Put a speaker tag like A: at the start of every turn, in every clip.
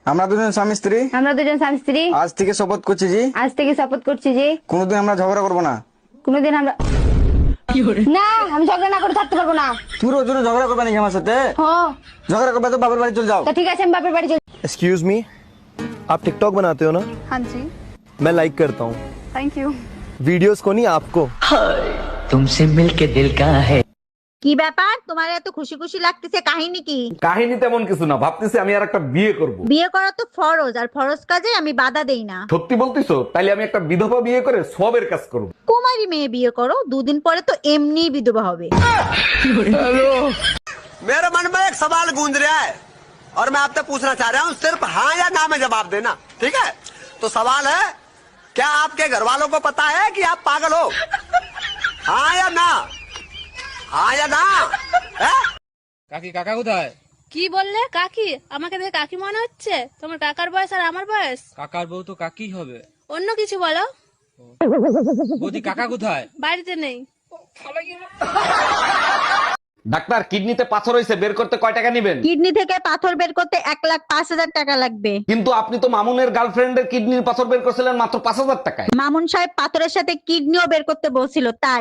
A: আমরা দুজন স্বামী স্ত্রী আজ থেকে শপথ করছি জি কোনোদিন আমরা ঝগড়া করবো না।
B: কোনোদিন আমরা না, আমি ঝগড়া না করে থাকতে পারবো না।
A: তুমি রোজ রোজ ঝগড়া করবে নাকি আমার সাথে?
B: হ্যাঁ,
A: ঝগড়া করবে তো বাপের বাড়ি চলে যাও।
B: তা ঠিক আছে, আমি বাপের বাড়ি চলে।
C: एक्सक्यूज मी, आप टिकटॉक बनाते हो ना?
D: हाँ जी,
C: मैं लाइक करता हूँ
D: थैंक यू।
C: वीडियोस को, नहीं आपको।
E: तुमसे मिलके दिल का है।
F: কি ব্যাপার, তোমার এত খুশি খুশি লাগতেছে, কাহিনী কি?
G: কাহিনী তেমন কিছু না, ভাবতেছি আমি আর একটা বিয়ে করব।
F: বিয়ে করা তো ফরজ, আর ফরজ কাজে আমি বাধা দেই না।
G: সত্যি বলতিছো? তাইলে আমি একটা বিধবা বিয়ে করে সবের কাজ করব।
F: কুমারী মেয়ে বিয়ে করো, দুদিন পরে তো এমনি বিধবা হবে।
H: मेरे मन में एक सवाल गूंज रहा है और मैं आपसे पूछना चाह रहा हूँ, सिर्फ हाँ या ना में जवाब देना, ठीक है? तो सवाल है, क्या आपके घर वालों को पता है कि आप पागल हो? हाँ या ना? हाँ या ना?
I: কাকি কাকা কোথায়?
J: কি বললে? কাকি? আমাকে দেখে কাকি মনে হচ্ছে? তোমার কাকার বয়স আর আমার বয়স?
I: কাকার বউ তো কাকি হবে।
J: অন্য কিছু বলো।
I: বৌদি কাকা কোথায়?
J: বাড়িতে নেই।
G: ডাক্তার, কিডনিতে পাথর হয়েছে, বের করতে কয় টাকা নেবেন?
F: কিডনি থেকে পাথর বের করতে 1,05,000 টাকা লাগবে।
G: কিন্তু আপনি তো মামুনের গার্লফ্রেন্ডের কিডনির পাথর বের করছিলেন মাত্র 5,000 টাকায়।
F: মামুন সাহেব পাথরের সাথে কিডনিও বের করতে বলছিল, তাই।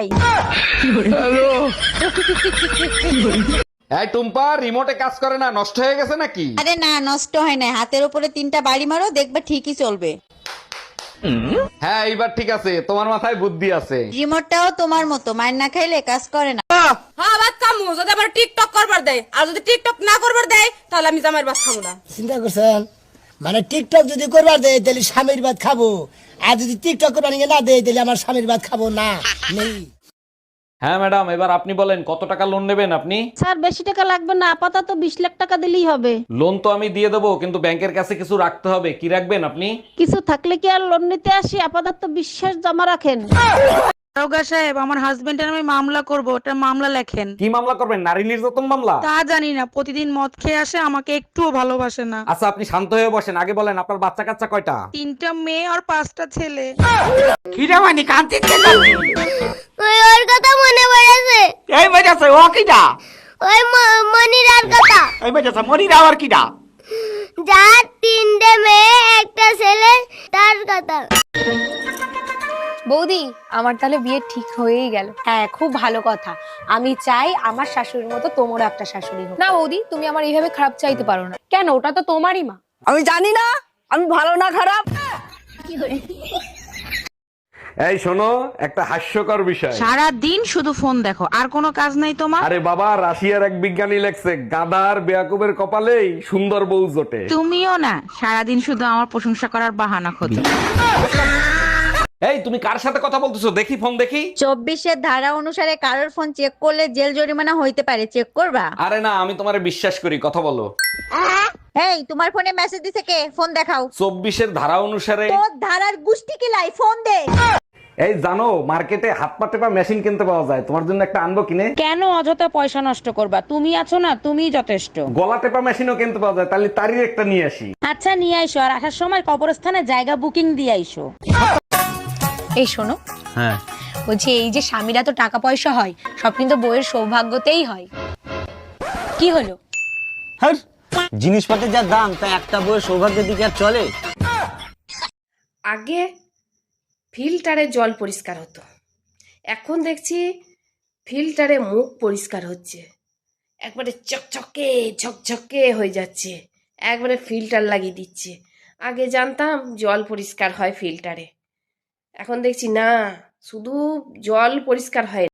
G: এই টুম্পা, রিমোটে কাজ করে না, নষ্ট হয়ে গেছে নাকি?
F: আরে না, নষ্ট হয় না, হাতের উপরে 3টা বাড়ি মারো, দেখবে ঠিকই চলবে।
G: হ্যাঁ, এইবার ঠিক আছে, তোমার মাথায় বুদ্ধি আছে।
F: রিমোটটাও তোমার মতো, মায়ের না খাইলে কাজ করে না।
J: হ্যাঁ, ভাত খামু যদি আবার টিকটক করবার দেয়, আর যদি টিকটক না করবার দেয় তাহলে আমি জামাইয়ের ভাত খাবো না।
K: চিন্তা করছেন? মানে টিকটক যদি করবার দেয় তাহলে স্বামীর ভাত খাবো, আর যদি টিকটক করবার না দেয় তাহলে আমার স্বামীর ভাত খাবো না। নেই।
G: হ্যাঁ ম্যাডাম, এবার আপনি বলেন কত টাকা লোন নেবেন আপনি?
B: স্যার, বেশি টাকা লাগবে না, আপাতত 20 লাখ টাকা দিলেই হবে।
G: লোন তো আমি দিয়ে দেবো, কিন্তু ব্যাংকের কাছে কিছু রাখতে হবে। কি রাখবেন আপনি?
B: কিছু থাকলে কি আর লোন নিতে আসি? আপাতত বিশ্বাস জমা রাখেন।
D: দারোগা সাহেব, আমার হাজবেন্ডের আমি মামলা করব, ওটা মামলা লেখেন।
G: কি মামলা করবেন? নারী নির্যাতন মামলা?
D: তা জানি না, প্রতিদিন মদ খেয়ে আসে, আমাকে একটুও ভালোবাসে না।
G: আচ্ছা, আপনি শান্ত হয়ে বসেন, আগে বলেন আপনার বাচ্চা কাচ্চা কয়টা?
D: 3টা মেয়ে আর 5টা ছেলে।
H: খিরামানি কান্তি
B: ওর কথা মনে পড়েছে।
H: এই বাজাছে ও কিডা?
B: ওই মনিরার কথা।
H: এই বাজাছে মনিরা আর কিডা?
B: যার 3টে মেয়ে একটা ছেলে, তার কথা।
J: বৌদি, আমার তাহলে বিয়ে ঠিক হয়েই গেল।
B: হ্যাঁ, খুব ভালো কথা। আমি চাই আমার শাশুড়ির মতো তোমারও একটা শাশুড়ি হোক।
J: না বৌদি, তুমি আমার এইভাবে খারাপ চাইতে পারো না।
B: কেন? ওটা তো তোমারই মা।
K: আমি জানি না আমি ভালো না খারাপ।
G: এই শোনো, একটা হাস্যকর বিষয়।
D: সারা দিন শুধু ফোন দেখো, আর কোনো কাজ নাই তোমার?
G: আরে বাবা, রাশিয়ার এক বিজ্ঞানী লেখছে, গাধার বেয়াকুবের কপালেই সুন্দর বউ জোটে।
D: তুমিও না, সারাদিন শুধু আমার প্রশংসা করার বাহানা খোঁজো।
G: এই, তুমি কার সাথে কথা বলতেছো? দেখি ফোন দেখি।
F: 24-এর ধারা অনুসারে কারোর ফোন চেক করলে জেল জরিমানা হইতে পারে, চেক করবা?
G: আরে না, আমি তোমারে বিশ্বাস করি, কথা বলো।
F: এই, তোমার ফোনে মেসেজ দিছে কে? ফোন দেখাও।
G: 24-এর ধারা অনুসারে।
F: তোর ধারার গুষ্টি কি লাই, ফোন দে।
G: এই জানো, মার্কেটে হাত পা টেপা মেশিন কিনতে পাওয়া যায়, তোমার জন্য একটা আনবো কিনে?
B: কেন অযথা পয়সা নষ্ট করবা? তুমি আছো না, তুমিই যথেষ্ট।
G: গলা টেপা মেশিনও কিনতে পাওয়া যায়, তাহলে তারই একটা নিয়ে আসি।
B: আচ্ছা, নিয়ে আইসো, আর আসার সময় কবরস্থানে জায়গা বুকিং দিয়ে আইসো।
J: এই শোনো,
C: হ্যাঁ,
J: বলছি এই যে স্বামীরা তো টাকা পয়সা হয়, সব কিন্তু বইয়ের সৌভাগ্যতেই হয়। কি হলো?
K: হ্যাঁ, জিনিসপত্রের যা দাম, তা একটা বউয়ের সৌভাগ্যের দিকে আর চলে?
J: আগে ফিল্টারে জল পরিষ্কার হতো, এখন দেখছি ফিল্টারে মুখ পরিষ্কার হচ্ছে, একবারে চকচকে ঝকঝকে হয়ে যাচ্ছে, একবারে ফিল্টার লাগিয়ে দিচ্ছে। আগে জানতাম জল পরিষ্কার হয় ফিল্টারে, এখন দেখছি না, শুধু জল পরিষ্কার হয়